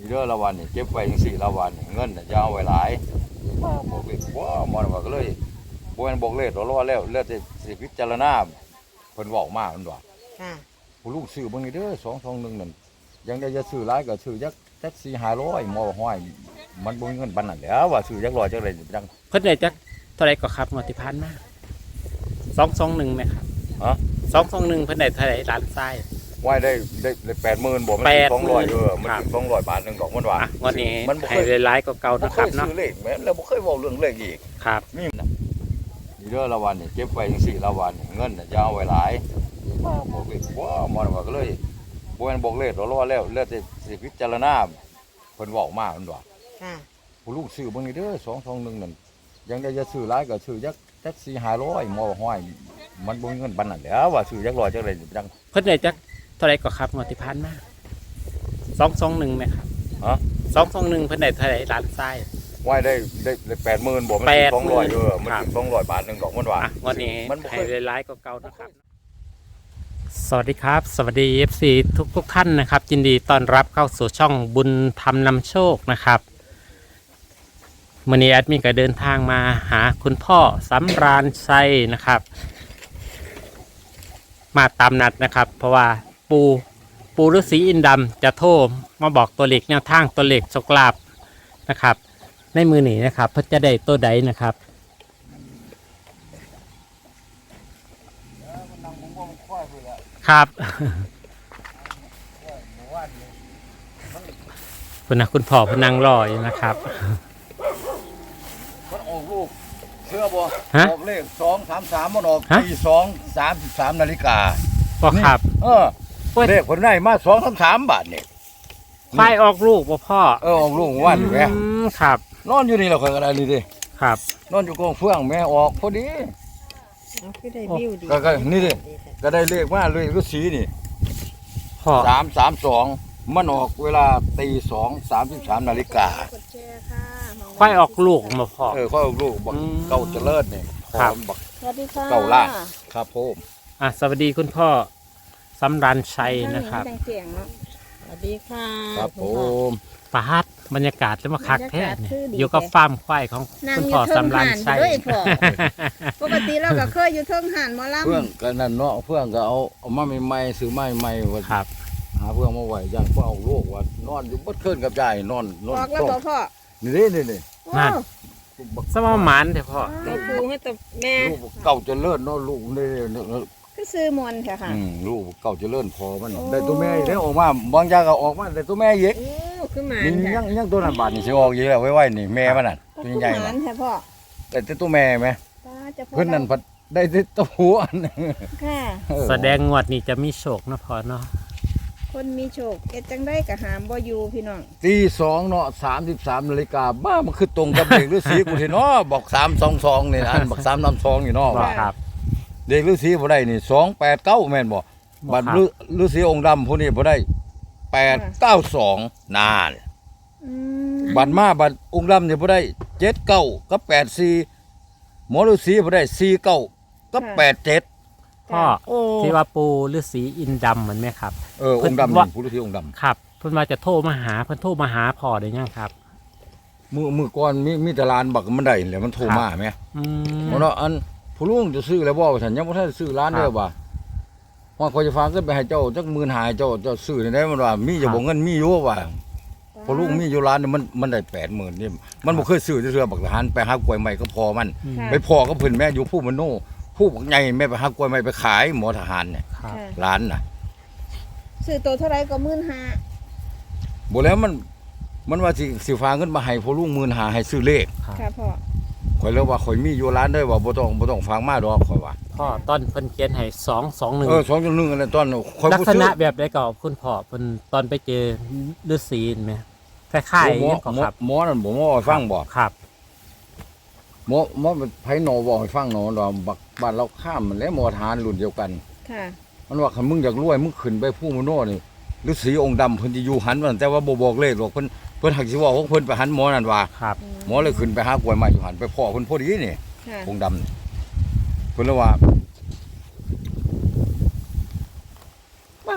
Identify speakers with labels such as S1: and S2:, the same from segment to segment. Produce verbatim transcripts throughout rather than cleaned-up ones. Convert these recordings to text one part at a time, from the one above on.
S1: เรื่องละวันนี่เก็บไว้ยังสี่ละวันเงินจะเอาไว้หลายบอกเลยว่ามันว่าก็เลยบวนบอกเลยตัวรอแล้วเลือดสิพิจารณาเพิ่นบอกมากมันว่าผู้ลูกซื้อบางทีเด้อสองสองหนึ่งนั่นยังได้จะซื้อหลายก็ซื้อยักจักสี่ห้าร้อยมอห้อยมันบ่มีเงินปานนั้นแล้วว่าซื้อยักร้อยจักไรจัง
S2: เพิ่นได้จักเท่าไรก็ครับงวดที่ผ่านมาสองสองหนึ่งไหมครับ
S1: ฮะ
S2: สองสองหนึ่งเพิ่นได้เท่าไรล้านทราย
S1: ไหวได้ได้ได้แปดหมื่นบ่มันสองร้อยเออมันสองร้อยบาทหนึ่งดอกมันว่า
S2: วันนี้มันให้หลายๆก็เก่านะครับเนาะ
S1: ซื้อเลขแม่นแล้วบ่เคยบอกเรื่องเลขอีก
S2: ครับ
S1: นี่เรื่องละวันนี่เก็บไว้ยังสี่ละวันเงินจะเอาไว้หลายบอกเลยว่ามันว่าก็เลยบวนบอกเลยตัวรอแล้วเลือดสิพิจารณาเพิ่นบอกมากมันว่าผู้ลูกซื้อบางทีเด้อสองสองหนึ่งนั่นยังได้จะซื้อหลายก็ซื้อยักจักสี่ห้าร้อยมอห้อยมันบ่มีเงินปานนั้นแล้วว่าซื้อยักร้อยจักไรจัง
S2: เพิ่นได้จักเท่าไรก็ครับงวดที่ผ่านมาสองสองหนึ่งไหมครับ
S1: ฮะ
S2: สองสองหนึ่งเพิ่นได้เท่าไรล้านทราย
S1: ไหวได้ได้ได้แปดหมื่นบ่มันสองร้อยเออมันสองร้อยบาทหนึ่งดอกมันว่า
S2: วันนี้มันให้หลายๆก็เก่านะครับสวัสดีครับสวัสดี เอฟ ซี ทุกทุกท่านนะครับยินดีต้อนรับเข้าสู่ช่องบุญธรรมนำโชคนะครับวันนี้แอดมินก็เดินทางมาหาคุณพ่อสำราญชัยนะครับมาตามนัดนะครับเพราะว่าปูปูฤาษีอินดำจะโทรมาบอกตัวเลขแนวทางตัวเลขโชคลาภนะครับในมือหนีนะครับเพื่อจะได้ตัวใดนะครับครับคุณนะคุณพ่อพนังรออยู่นะครับ
S1: มันออกลูกเชื่อบ่
S2: อ
S1: อกเลขสองสามสามมันออกตีสองสามสิบสามนาฬิกา
S2: บ่ครับ
S1: เออเลขคนได้มาสองสามสามบาทเนี่ย
S2: ควายออกลูกบ่พ่อ
S1: เออออกลูกวันอยู่แม่
S2: ครับ
S1: นอนอยู่นี่เราเคยกันอะไรนี่ดิ
S2: ครับ
S1: นอนอยู่กองเฟื่องแม่ออกพอดีก็นี่ดิก็ได้เลขว่าเลยก็สีนี่สามสามสองมันออกเวลาตีสองสามสิบสามนาฬิกา
S2: ควายออกลูกมาพ่อ
S1: เออควายออกลูกบักเก่าเจริญเนี่ย
S2: ครับ
S3: สวัสดีค่ะ
S1: เก่าล่าครับผม
S2: อ่ะสวัสดีคุณพ่อสำรัญชัยนะครับ
S3: สวัสดีค่ะ
S1: ครับผม
S2: ปาดบรรยากาศจะมาคักแท้เนี่ยอยู่กับฟาร์มควายของคุณพ่อสำรัญชัย
S3: ปกติเราก็เคยอยู่เทิงหันหมอลำ
S1: เพื่อนกันนั่นเนาะเพื่อนก็เอาเอามาใหม่ๆซื้อใหม่ๆว่า
S2: ครับ
S1: หาเพื่อนมาไหวอย่างเพื่อเอาลูกว่านอนอยู่บดเคลื่อนกับยายนอนนอน
S3: ออกแล้วพ่อ
S1: นี่นี่นี่
S2: นั่นสมอหมันเถอะพ่อ
S3: ไปปูให้แต่แม่
S1: ลูกเก่าจะเลิศเนาะลูกนี่
S3: ก็ซื้อมวนค่ะค่ะ
S1: ลูกเก่าจะเลิศพอมันได้ตัวแม่ได้ออกมาบางอย่างก็ออกมาได้ตัวแม่เยอะ
S3: ขึ้นมา
S1: ยังยังตัวนั้นบาดนี่สิออกเยอะแล้วไว้ๆนี่แม่มันน่ะตัวใหญ่น่ะแต่ตัวแม่ไหมเพิ่นนั่นพัดได้ตัวหัว
S3: ค่ะ
S2: แสดงงวดนี้จะมีโชคนะพ่อเนาะ
S3: คนมีโชคเอ็ดจังได้กับหามบ่อยู่พี่น้อง
S1: ตีสองเนาะสามสิบสามนาฬิกาบ้ามันคือตรงกับเด็กฤาษีกูเห็นเนาะบอกสามสองสองนี่อันบอกสามน้ำสองนี่เนาะ
S2: ครับ
S1: เด็กฤาษีบ่ได้นี่สองแปดเก้าแม่นบ่บัดฤาษีองค์ดำผู้นี้บ่ได้แปดเก้าสองนานบัดมาบัดองค์ดำนี่บ่ได้เจ็ดเก้ากับแปดสี่หมอฤาษีบ่ได้สี่เก้ากับแปดเจ็ด
S2: พ่อที่ว่าปูฤาษีอินดำเหมือนไหมครับ
S1: เออองค์ดำนี่ปูฤาษีองค์ดำ
S2: ครับเพิ่นมาจะโทรมาหาเพิ่นโทรมาหาพ่อได้ยังครับ
S1: มือมือก่อนมีมีตลาดบักมันได้แล้วมันโทรมาไหมอืมเนาะอันผู้ลุงจะซื้อแล้วบ่ฉันยังบ่ทันซื้อร้านเด้อบ่ว่าขอจะฝากเงินไปให้เจ้าจักหมื่นห้าเจ้าเจ้าซื้อได้มันว่ามีจะบ่เงินมีอยู่ว่าผู้ลุงมีอยู่ร้านนี่มันมันได้แปดหมื่นนี่มันบ่เคยซื้อเทื่อบักทหารไปหากล้วยใหม่ก็พอมันไปพอก็เพิ่นแม่อยู่ผู้มโนผู้บักใหญ่แม่ไปหากล้วยใหม่ไปขายหมอทหารเนี่ยร้านน่ะ
S3: ซื้อตัวเท่าไรก็หมื่นห้า
S1: บ่แล้วมันมันว่าสิสิฝากเงินมาให้ผู้ลุงหมื่นห้าให้ซื้อเลข
S3: ค่ะพ่อ
S1: ข่อยเลยว่าข่อยมีอยู่ร้านเด้อว่าบ่ต้องบ่ต้องฝากมาดอกข่อยว่า
S2: พ่อตอนเพิ่นเขียนให้สองสองหนึ่ง
S1: เออสองสองหนึ่งอันนั้นตอน
S2: ข่อยลักษณะแบบใดก็คุณพ่อเพิ่นตอนไปเจอฤาษีมั้ยคล้ายๆอย่างก็ครับ
S1: หมอนั่นบ่หมอฟังบ่
S2: ครับ
S1: หมอหมอไผหนอบ่ให้ฟังหนอดอกบักบ้านเราข้ามมันแล้วหมอทหารรุ่นเดียวกัน
S3: ค่ะ
S1: มันว่าคันมึงอยากรวยมึงขึ้นไปผู้มโนนี่ฤาษีองค์ดำเพิ่นสิอยู่หันว่าแต่ว่าบ่บอกเลขหรอกเพิ่นเพิ่นหักสิว่าของเพิ่นไปหันหมอนั่นว่า
S2: ครับ
S1: หมอเลยขึ้นไปหากล้วยใหม่อยู่หันไปพ่อเพิ่นพอดีนี่องค์ดำเพิ่นเลยว่าป้า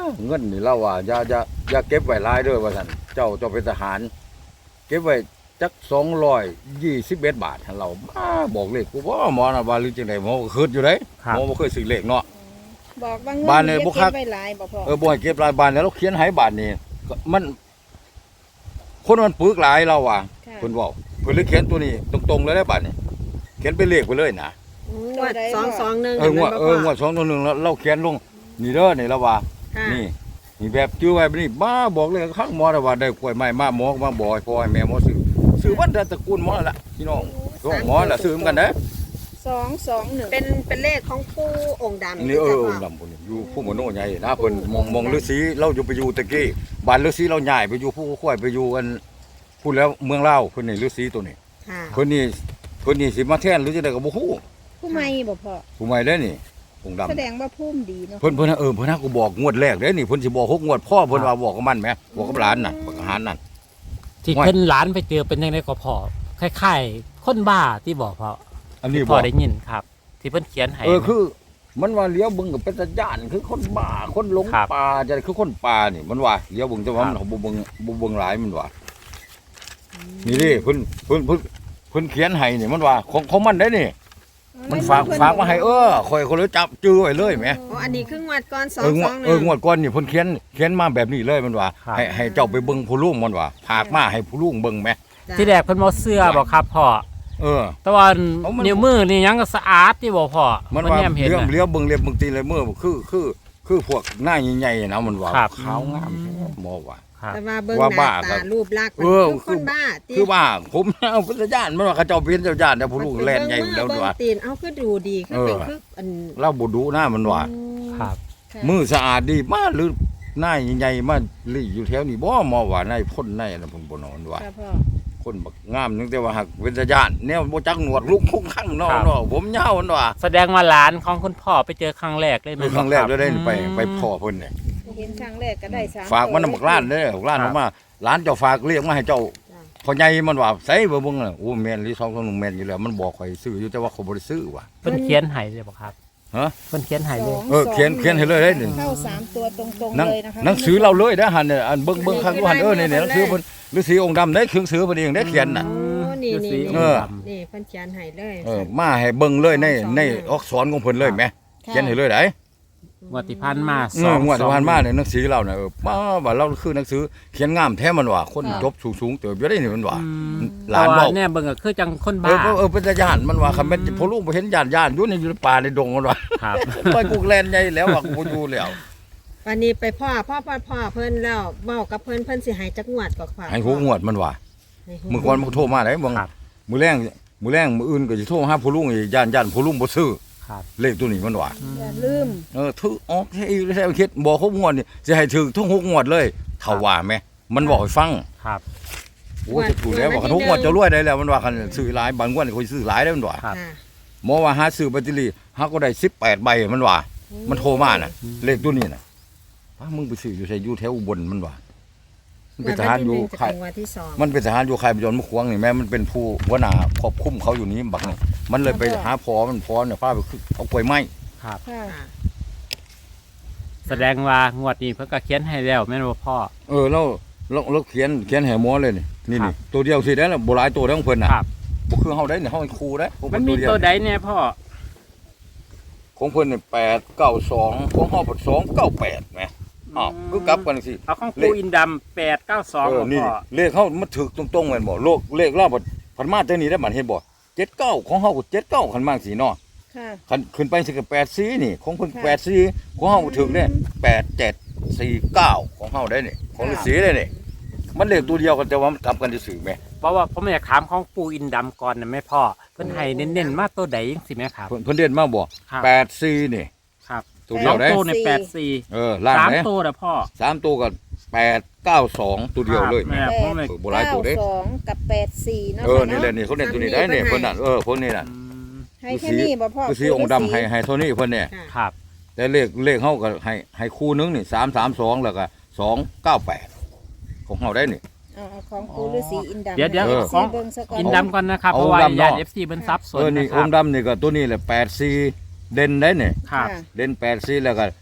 S1: เงินนี่เราว่าอย่าอย่าอย่าเก็บไว้หลายเด้อว่าซั่นเจ้าเจ้าเป็นทหาร เก็บไว้จักสองร้อยยี่สิบเอ็ดบาทให้เราบ้าบอกเลขกูบ่หมอน่ะว่าหรือจังได๋หมอก็คิดอยู่เด้หมอบ่เคยซื้อเลขเนาะ
S3: บอกว่าเงิน
S1: บ้านเนี่ย
S3: เก็
S1: บ่คัก
S3: บไว้หลายบ่พ่อ
S1: เออบ่ให้เก็บรายบานแล้วเราเขียนให้บาทนี่ก็มัน คนมันปึกหลายเราว่ะ
S3: ค่ะ
S1: เพิ่นเว้าเพิ่นเลยเขียนตัวนี้ตรงๆเลยได้บาทนี่เขียนเป็นเลขไปเลยนะ
S4: งวดสองสองหนึ่ง
S1: เอองวดเอองวดสองตัวหนึ่งแล้วเราเขียนลงนี่เด้อนี่แล้วว่า
S4: ค่ะ
S1: นี่นี่แบบจื้อไว้บัดนี้บ้าบอกเลยข้างหมอน่ะว่าได้กล้วยไม้มาหมอก็มาบอกให้พ่อให้แม่หมอซื้อซื้อวันแต่ตระกูลหมอนั่นล่ะพี่น้องก็หมอน่ะซื้อเหมือนกันเด้อ
S3: สองสองหนึ่ง
S4: เป็นเป็นเลขของปู่องค์ดำ
S1: นี่เออ
S4: จ้ะ
S1: องค์
S4: พ่
S1: ดำพุ่นนี่อยู่ผู้มโนใหญ่นะเพิ่นมองมองฤาษีเราอยู่ไปอยู่ตะกี้บ้านฤาษีเราย้ายไปอยู่ผู้ค่อยไปอยู่กันพูดแล้วเมืองลาวเพิ่นนี่ฤาษีตัวนี้
S4: ค่ะ
S1: เพิ่นนี่เพิ่นนี่สิมาแทนหรือจังได๋ก็บ่ฮู้
S3: ผู้ใหม่บ่พ่อ
S1: ผู้ใหม่เด้อนี่องค์ดำ
S3: แสดงว่าภูมิดีเนาะ
S1: เพิ่นเพิ่นเออเพิ่นน่ะกูบอกงวดแรกเด้อนี่เพิ่นสิบอกหกงวดพ่อเพิ่นว่าบอกกับมันแหมบอกกับหลานน่ะบอกกับหลานนั่น
S2: ที่
S1: ว่า
S2: เพิ่นหลานไปเจอเป็นยังไงก็พอคล้ายๆคนบ้าที่บอกพอ
S1: อันนี้
S2: ที่
S1: บ
S2: พ
S1: อ
S2: อก ได้ยินครับ ที่เพิ่นเขียนให้
S1: เออคือ มันว่าเลี้ยวเบิ่งก็เป็นตาย่านคือคนบ้าคนหลง
S2: ครับ
S1: ป่าจะคือคนป่านี่มันว่าเลี้ยวเบิ่งแต่ว่า
S2: ครับ
S1: มันบ่เบิ่งบ่เบิ่งหลายมันว่านี่ดิเพิ่นเพิ่นเพิ่นเพิ่นเขียนให้นี่มันว่าของของมันได้นี่ มันฝากฝากมาให้เออข่อยก็เลยจับจื้อไว้เลยแหม
S4: อ๋ออันนี้คืองวดก่อนสอ
S1: เอง องว
S4: ส
S1: ด
S4: องห
S1: เอ
S4: นึ่
S1: อง งวดก่อนนี่เพิ่นเขียนเขียนมาแบบนี้เลยมันว่า
S2: ครับ
S1: ให้ให้เจ้าไปเบิ่งผู้ลุงมันว่าผากมาให้ผู้ลุงเบิ่งแหม
S4: จ้ะ
S2: ที่แรกเพิ่นบ่เสื้อบอกครับพ่อ
S1: เออ
S2: แต่ว่า
S1: เอามัน
S2: นิ้วมือนี่ยังก็สะอาดที่บอกพ่อ
S1: มันว่า
S2: แนมเห็น
S1: เลี้ยว
S2: น่ะ
S1: เลี้ยวเบิ่งเล็บเบิ่งตีนเลยมือคือคือคือพวกหน้าใหญ่ๆนะมันว่า
S2: ครับ
S1: ขาวงามแท้หมอว่า
S2: ครับ
S4: แต่ว่าเบิ่ง
S1: ว่า
S4: หน้า
S1: บ้าครั
S4: ตา
S1: บ
S4: รูปลักษณ์มัน
S1: เออ
S4: คือคนบ้าติ
S1: คือว่าผมเอาพุทธญาณมันว่าเขาเจ้าเป็นเจ้าญาณแต่ผู้ลุงแล่นใหญ่อยู่แล้ว
S4: เบิ่ง
S1: ว่า
S4: ตีนเอาคือดูดีคือเป็นคืออัน
S1: เราบ่ดูหน้ามันว่า
S2: ครับ
S3: ค่ะ
S1: มือสะอาดดีมากหรือหน้าใหญ่ๆมาลี่อยู่แถวนี้บ่หมอว่าในพ่นในอันนั้นเพิ่นบ่นอนว่า
S3: ค่ะพ่อ
S1: คนบักงามนึงแต่ว่าหักเป็นญาณแนวบ่จักหนวดลุกคุกข้างเนาะ
S2: ครับ
S1: เนาะผมยาวมันว่า
S2: แสดงว่าหลานของคุณพ่อไปเจอครั้งแรกเลย
S1: คือครั้งแรกเลยได้ไปไป
S2: ม
S1: พ่อเพิ่นนี่
S3: เห็นครั้งแรกก็ได้สาม
S1: ฝากมันน่ะ
S3: ตัว
S1: บักล้านเด้อบักล้าน
S2: ครั
S1: อบ อกมาหลานเจ้าฝากเรียกมาให้เจ้า
S4: จ้ะ
S1: พ่อใหญ่มันว่าใส่บ่เบิ่งน่ะโอ้แม่นหรือสองคนแม่นอยู่แล้วมันบอกข่อยซื้ออยู่แต่ว่าเขาบ่ได้ซื้อว่ะ
S2: เพิ่นเขียนให้เลยบอกครับ
S1: ฮะ
S2: เพิ่นเขียนให้เลย
S1: เออเขียนเขียนให้เลยได้นี่
S3: เข้าสามตัวตรงๆ
S1: หนัง
S3: เลยนะคะ
S1: หนังสือเราเลยนะหั่นเนี่ยอันเบิ่งเบิ่งข้างอยู่หั่นเออนี่ๆหนังสือเพิ่นฤาษีองค์ดำได้เครื่องสือเพิ่นเองได้เขียนน่ะ
S4: โอ้นี่นี่
S1: เออ
S4: นี่เพิ่นเขียนให้เลย
S1: เออมาให้เบิ่งเลยในในอักษรของเพิ่นเลยแหมเขียนให้เลยได้
S2: งวดที่ผ่านมา
S1: เอองวดที่ผ่านมาเนี่ยหนังสือเราน่ะเออป้าว่าเราคือหนังสือเขียนงามแท้มันว่าคนจบสูงๆเติบอยู่ได้นี่มันว่า หลาน
S2: เบ
S1: เว้า
S2: เนี่ยเบิ่งก็คือจังคน
S1: เอ
S2: บ้า
S1: อเออเป็นญาณมันว่าคำเป็นพอลูกบ่เห็นญาณญาณอยู่ในอยู่ในป่าในดงมันว่า
S2: ครับ
S1: ไปกูแลนใหญ่แล้วว่ากูบ่อยู่แล้ว
S4: วันนี้ไปพ่อพ่อพ่อพ่อเพิ่นแล้วเว้ากับเพิ่นเพิ่นสิให้จักงวดก็ค่ะ
S1: ให้หูงวดมันว่า
S4: ให้หู
S1: มื้อก่อนมันโทรมาได้บ่ง
S2: ครับ
S1: มื้อแรงมื้อแรงมื้ออื่นก็สิโทรหาผู้ลุงอีกญาณญาณผู้ลุงบ่ซื้อ
S2: ครับ
S1: เลขตัวนี้มันว่า
S3: อย่าลืม
S1: เออถือออกให้อีกแท้คิดบอกครบงวดนี่สิให้ถึงทุกหกงวดเลยเท่าว่าแม่มันบอกให้ฟัง
S2: ครับ
S1: โอ้จะถูกแล้วว่าคันทุกงวดจะรวยได้แล้วมันว่าคันซื้อหลายบางงวดนี่ค่อยซื้อหลายได้มันว่า
S2: ครับ
S4: ค่ะ
S1: หมอว่าหาซื้อแบตเตอรี่หาก็ได้สิบแปดใบมันว่า มันโทรมาน่ะ เลขตัวนี้น่ะป้ามึงไปซื้ออยู่ใส่อยู่แถวอุบลมันว่ามันเป็นทหารอยู่
S4: ค่า
S1: ค่าย
S4: ยวันที่สอง
S1: มันเป็นทหารอยู่ค่ายประยนต์มะขวางนี่แม่มันเป็นผู้หัวหน้าควบคุมเขาอยู่นี้บักนี่มันเลยไปหาพอมันพอเนี่ยพาไปขึ้นเอากล้วยไม้
S2: ครับ
S3: ค่ะ
S4: ค่ะ
S2: แสดงว่างวดนี้เพิ่นก็เขียนให้แล้วแม่นบ่พ่อ
S1: เออแล้วเราเราเขียนเขียนแห่หมอเลยนี่นี่
S2: ครั
S1: นี่
S2: บ
S1: ตัวเดียวสิได้แล้วบ่หลายตัวแล้วของเพิ่นน่ะ
S2: ครับ
S1: บ่คือเฮาได้เนี่ยเฮาเป็นครูได้ของ
S2: มั
S1: เพิ่
S2: น
S1: น
S2: มี
S1: ตัวเดียว
S2: ตัวใดเนี่ยพ่อ
S1: ของเพิ่นนี่แปดเก้าสองของเฮาเป็นสองเก้าแปดแหมอ้าวคือกลับกันสิ
S2: เอาของ
S1: เล
S2: ปู
S1: ข
S2: อินดำแปดเก้าสอง
S1: เออ
S2: บ่
S1: นี่
S2: พ่อ
S1: เลขเขามันถึกตรงๆแม่นบ่โลกเลขเราบ่พันมาตัวนี้ได้บัดเห็นบ่เจ็ดเก้าของเฮาก็เจ็ดเก้าคันมากสิเนาะ
S3: ค่ะ
S1: คันขึ้นไปสิก็แปดสี่นี่ของเพิ่น
S3: ค่ะ
S1: แปดสี่ของเฮาก็ถึกเนี่ยแปดเจ็ดสี่เก้าของเฮาได้นี่ของฤาษีได้นี่มันเลขตัวเดียวกันแต่ว่ามันกลับกันซื่อๆแหม
S2: เพราะว่าผมอยากถามของปูอินดำก่อนนะแม่พ่อเพิ่นให้เน้นๆมาตัวใดจังสิแม่ครับ
S1: เพิ่นเพิ่นเด่นมาบ่
S2: ครับ
S1: แปดสี่นี่
S2: ครับ
S1: ตัวเดียวได้
S2: สองตัวในแปดสี่
S1: เออล่าง
S2: สาม
S1: ไหน
S2: ตัวนะพ่อ
S1: สามตัวก็แปดเก้าสองตัวเดียวเลย
S2: ครับแม่ผมเลย
S1: เออบ่หลายตัวเด้
S3: เก้าสองกับแปดสี่เนาะ
S1: เออ
S3: ค่ะ
S1: นี่แหละ
S3: เนาะ
S1: นี่เขาเด่นตัวนี้ได้เนี่ยเพิ่นน่ะเออพวกนี้น่ะ
S2: อืม
S3: ให้แค่นี้บ่พ่อ
S1: คือสีองค์ดำให้ให้เท่านี้เพิ่นเนี่ย
S4: ค่ะ
S2: ครับ
S1: แต่เลขเลขเฮาก็ให้ให้คู่หนึงนี่สามสามสองแล้วก็สองเก้าแปดของเฮาได้นี่
S3: เอาเอาของปูฤาษีอินดำ
S2: เดี๋ยวเดี๋ยว
S3: ให้
S1: เออ
S3: ซีเบิ่งซะก่อน
S2: อินดำก่อนนะครับ
S1: เอา
S2: เพราะว่า
S1: ดำเนาะ
S2: ญาติเอฟซีเพิ่นซับสน
S1: เออนี่
S2: นะค
S1: อ
S2: รับ
S1: งค์ดำนี่ก็ตัวนี้แหละแปดสี่เด่นได้เนี่ย
S2: ครับ
S3: ค่ะ
S1: เด่นแปดสี่แล้วก็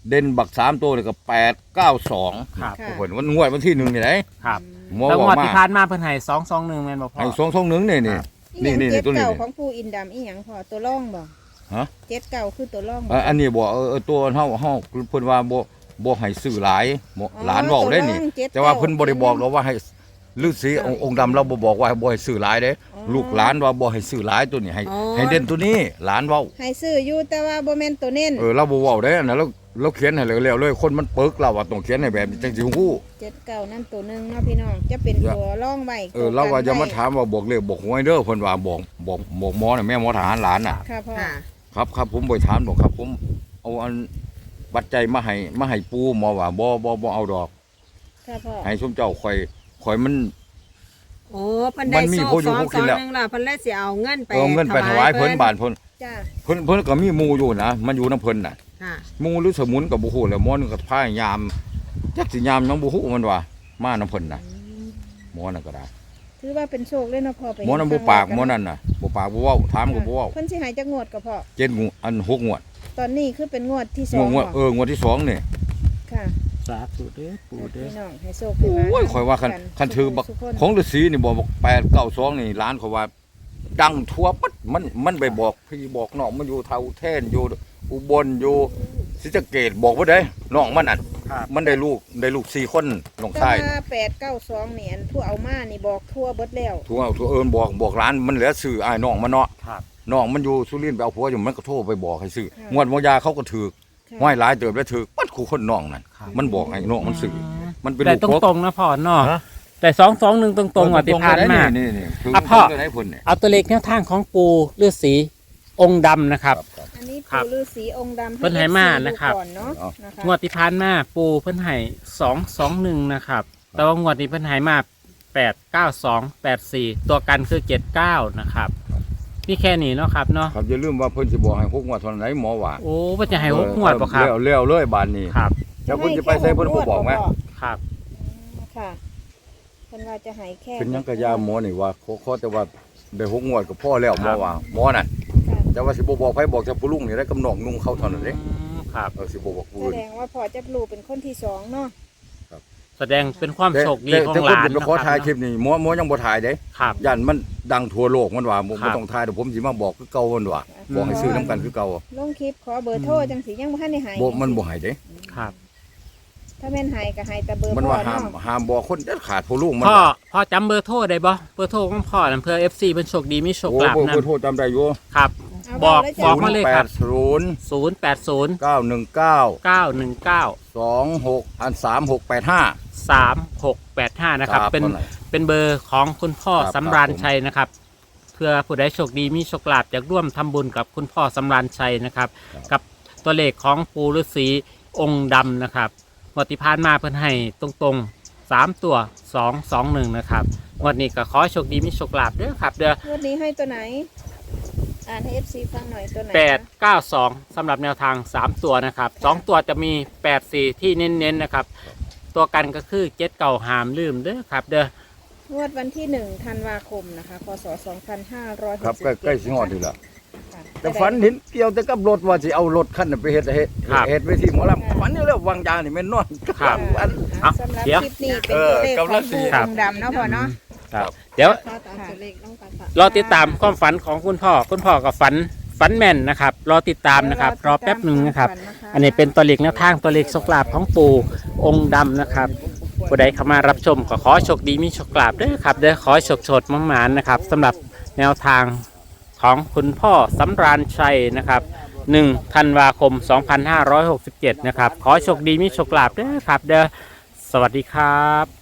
S1: เด่นบักสามตัวเลยก็แปดเก้าสอง
S2: ครับ
S3: ค่ะ
S1: ผลวันงวดวันที่หนึ่งนี่ไหน
S2: ครับ
S1: หมอ
S2: แล้ว
S1: บอง ก
S2: วด
S1: มา
S2: ที่ผ่านมาเพิ่นให้สองสองหนึ่งแม่นบ่พ่อ
S1: ให้สองสองหนึ่งนี่นี่ นี่
S3: นี่
S1: นี่
S3: เจ็ด
S1: ตัวนี้
S3: เก่าของปูอินดำอีหยังพอตัวร่องบ่
S1: ฮะ
S3: เจ็ดเก่าคือตัวร่อง
S1: เอ่ออันนี้บอกเออเออตัวเฮาเฮาเพิ่นว่าบ่บ่ให้ซื้อหลายบ่หลานบอกได้นี่ แต่ว่าเพิ่นบ่ได้บอกเราว่าให้ฤาษีองค์องค์ดำเราบ่บอกว่าให้บ่ให้ซื้อหลายเด้ลูกหลานว่าบ่ให้ซื้อหลายตัวนี้ให้ให้เด่นตัวนี้หลานเว้า
S3: ให้ซื้ออยู่แต่ว่าบ่แม่นตัวเน้น
S1: เออเราบ่เว้าได้นะเราเราเขียนให้แล้วๆเลยคนมันปึกเราว่าต้องเขียนให้แบบนี้จังสิฮู้
S3: เจ็ดเก่านั่นตัวหนึงเนาะพี่น้องจะเป็นตัวร่องไว้
S1: เออเราว่าจะมาถามว่าบอกเลขบอกหวยเด้อเพิ่นว่าบอกบอกบอกหมอน่ะแม่หมอทหารหลานน่ะ
S3: ค่ะพ่อ
S4: ค่ะ
S1: ครับครับผมบ่ถามดอกครับ ผมเอาอันปัจจัยมาให้มาให้ปูหมอว่าบ่บ่บ่เอาดอก
S3: ค่ะพ่อ
S1: ให้สมเจ้าข่อยข่อยมัน
S4: โอ้เพิ่นได้
S1: มันมี
S4: โซ่
S1: ผู้อยู่
S4: สอง
S1: ผู้
S4: ส
S1: กิ
S4: อน ง
S1: แล้ว
S4: หนึงล่ะเพิ่นเลยสิเอาเงินไป
S1: เอาเงินไปถวายเพิ่นบาทเพิ่น
S3: จ้า
S1: เพิ่นเพิ่นก็มีหมู่อยู่นะมันอยู่นํเพิ่นน่ะ
S4: ค่ะ
S1: หมู่หรือสมุนก็บ่ฮู้แหล้วหมอนึงก็พายามจักสิยามน้องบ่ฮู้มันว่ามานํเพิ่นน่ะหมอนั่นก็ได้
S3: ถือว่าเป็นโชคเลยเนาะพ่อไป
S1: หมอนั่นบ่ปากหมอนั่นน่ะบ่ปากบ่เว้าถามก็บ่เว้า
S3: เพิ่นสิใหายจักงวดก็พ่อ
S1: เจ็ดงวดอันหกงวด
S3: ตอนนี้คือเป็นงวดที่ส
S1: ง
S3: อ
S1: ว
S3: ง
S1: ดงวด
S3: บ่
S1: เอองวดที่สองนี่
S3: ค่ะ
S2: สาธุเด้อปู่เด้อ
S3: พี่น้องให้โชค
S1: โอ้ยข่อยว่าคันคันถือบักของฤาษีนี่บอกบอกแปดเก้าสองนี่ร้านเขาว่า ดังทั่วปั๊ดมันมันไปบอกพี่บอกน้องมันอยู่เท่าแท่นอยู่อุบลอยู่ศรีสะเกษบอกว่าได้น้องมันอ่ะ
S2: ครับ
S1: มันได้ลูกได้ลูกสี่คนน้อง
S3: แต่
S1: ชาย
S3: ว่าแปดเก้าสองนี่อันผู้เอามานี่บอกทั่วเบิดแล้ว
S1: ทั่วทั่วเอิญบอกบอกร้านมันเหลือซื้ออ้ายน้องมันเนาะ
S2: ครับ
S1: น้องมันอยู่สุรินทร์ไปเอาผัวอยู่มันก็โทรไปบอกให้ซื้อ
S3: ค่ะ
S1: งวดมอยาเขาก็ถือ
S3: ค่ะ
S1: ห้อยหลายเติบแล้วถือปัดคู่คนน้องนั่น
S2: ครับ
S1: มันบอกให้น้องมันซื้อมันเป็น
S2: แต่
S1: ลูก
S2: ตรงๆนะพ่อเนาะ
S1: ฮะ
S2: แต่สองสองหนึ่งตรงๆอ่ะที่ผ่านมา
S1: นี่นี่คือ
S2: อ่ะพ่อ
S1: คือไหนพุ่นเนี่ย
S2: เอาตัวเลขแนวทางของปูฤาษีองค์ดำนะครับ
S1: ครับ
S3: อันนี้
S2: ครับ
S3: ปู่ฤาษีองค์ดำ
S2: เพิ่นให้มานะครับ
S3: ดูก่อนเนาะ
S1: เอา
S3: นะคะ
S2: งวดที่ผ่านมาปูเพิ่นให้สองสองหนึ่งนะครับ แต่ว่างวดนี้เพิ่นให้มาแปดเก้าสองแปดสี่ตัวกันคือเจ็ดเก้านะครับนี่แค่นี้เนาะครับเนาะ
S1: ครับอย่าลืมว่าเพิ่นสิบอกให้หกงวดเท่านั้นหมอว่า
S2: โอ้เพิ่นจะให้หกงวดป่ะครับ
S1: เลี้ยวเลี้ยวเลยบานนี้
S2: ครับ
S1: แล้วเพิ่นจะไปใส่เพิ่นบ่บอกไหม
S2: ครับ
S3: ค่ะเพิ่นว่าจะให้แค่
S1: เป็นหยังกะยาหมอนี่ว่าขอขอแต่ว่าได้หกงวดก็พอแล้วหมอว่าหมอน่ะ
S3: ค่ะ
S1: แต่ว่าสิบ่บอกไผบอกแต่ผู้ลุงนี่ได้กำนองนุ่งเขาเท่านั้นเด้
S2: อืมครับ
S1: เออสิบ่บอกผู้
S3: แส
S1: อื่น
S3: ดงว่าพ่อจะรู้เป็นคนที่สองเนาะ
S2: แสดงเป็นความโชคดี
S1: แต่
S2: ของ
S1: แต่
S2: ห
S1: คน
S2: ลาน
S1: จะไป
S2: นะ
S1: ขอถ่ายค
S2: ค
S1: ลิ
S2: รับ
S1: ปนี่หมอหมอยังบ่ถ่ายเด้
S2: ครับ
S1: ย่านมันดังทั่วโลกมันว่าบ่
S2: ครับ
S1: บ่ต้องถ่ายเดี๋ยวผมสิมาบอกคือเก่ามันว่าบอกให้ซื้อนํกันคือเก่า
S3: ลงคลิปขอเบอร์โทรจังสิยังบ่ทันได้ให้
S1: บ่มันบ่ให้เด้
S2: ครับ
S3: ถ้าแม่นให้ก็ให้แต่เบอร์
S1: มัน
S3: พ่อ
S1: ว่าห้าม
S3: เนาะ
S1: ห้ามบอกคนเด็ดขาดผู้ลุงมัน
S2: พ่อ
S1: ว่า
S2: พ่อจำเบอร์โทรได้บ่เบอร์โทรของพ่อนั่นเพื่อ เอฟ ซี เป็นโชคดีมีโชค
S1: โอ้
S2: ลาภ
S1: เบอร์
S2: นะ
S1: เบอร์โทรจำได้อยู่
S2: ครับ
S3: เอา
S2: บอก
S3: เลย
S2: บ
S3: จ้ะ
S2: อกมาเลยครับ
S1: ศูนย์
S2: ศูนย์แปดศูนย์
S1: เก้าหนึ่งเก้า
S2: เก้าหนึ่งเก้า
S1: สองหกอันสามหกแปดห้า
S2: สามหกแปดห้านะครับ เป็น
S1: ท่าไห
S2: เป็นเบอร์ของคุณพ่อ
S1: ครับ
S2: สำราญ
S1: ครับผม
S2: ชัยนะครับ เพื่อผู้ใดโชคดีมีโชคลาภอยากร่วมทำบุญกับคุณพ่อสำราญชัยนะครับ กับตัวเลขของปูฤาษีองค์ดำนะครับงวดที่ผ่านมาเพิ่นให้ตรงๆสามตัวสองสองหนึ่งนะครับงวดนี้ก็ขอให้โชคดีมีโชคลาภเด้อครับเด้อ
S3: งวดนี้ให้ตัวไหน อ่านให้ เอฟ ซี ฟังหน่อยตัวไหน
S2: แปด
S3: คะ
S2: เก้าสองสำหรับแนวทางสามตัวนะครับสองตัวจะมีแปดสี่ที่เน้นๆนะครับ ตัวกันก็คือเจ็ดเก่าหามลืมเด้อครับเด้อ
S3: งวดวันที่หนึ่งธันวาคมนะคะพศสองพันห้าร้อยห
S1: ครับ
S3: กสิบ
S1: ใกล้
S3: เจ็ด
S1: ใกล้สิงอดนี่แหละ
S3: ค่ะ
S1: แต่ฝันเห็นเกี่ยวแต่กับรถว่าสิเอารถคันนั้นไปเฮ็ดเฮ็ด
S2: ครับ
S1: เฮ็ดไปที่หมอลำฝันอยู่แล้ววางยานี่แม่นนอน
S2: ครับ
S1: ฝัน
S2: เอา
S3: สำหรับ
S2: เดี๋ยว
S3: คลิปนี้เป็น
S1: เออ
S3: ตัวเลขของ
S1: กำลังสิ
S3: ผู้
S2: ครับ
S3: องค์ดำเนาะพ่อเนาะ
S2: ครับเดี๋ยว
S4: พ่อตามตัวเลขน้องกันค่ะ
S2: รอติดตามความฝันของคุณพ่อคุณพ่อกับฝันฝันแม่นนะครับ รอติดตามนะครับ รอแป๊บหนึ่งนะครับ อันนี้เป็นตัวเลขแนวทางตัวเลขโชคลาภของปู่องค์ดำนะครับผู้ใดเข้ามารับชมก็ขอโชคดีมีโชคลาภเด้อครับเด้อขอให้โชคโชดมั่งหมานนะครับสำหรับแนวทางของคุณพ่อสำราญชัยนะครับหนึ่งธันวาคมสองพันห้าร้อยหกสิบเจ็ดนะครับขอให้โชคดีมีโชคลาภเด้อครับเด้อสวัสดีครับ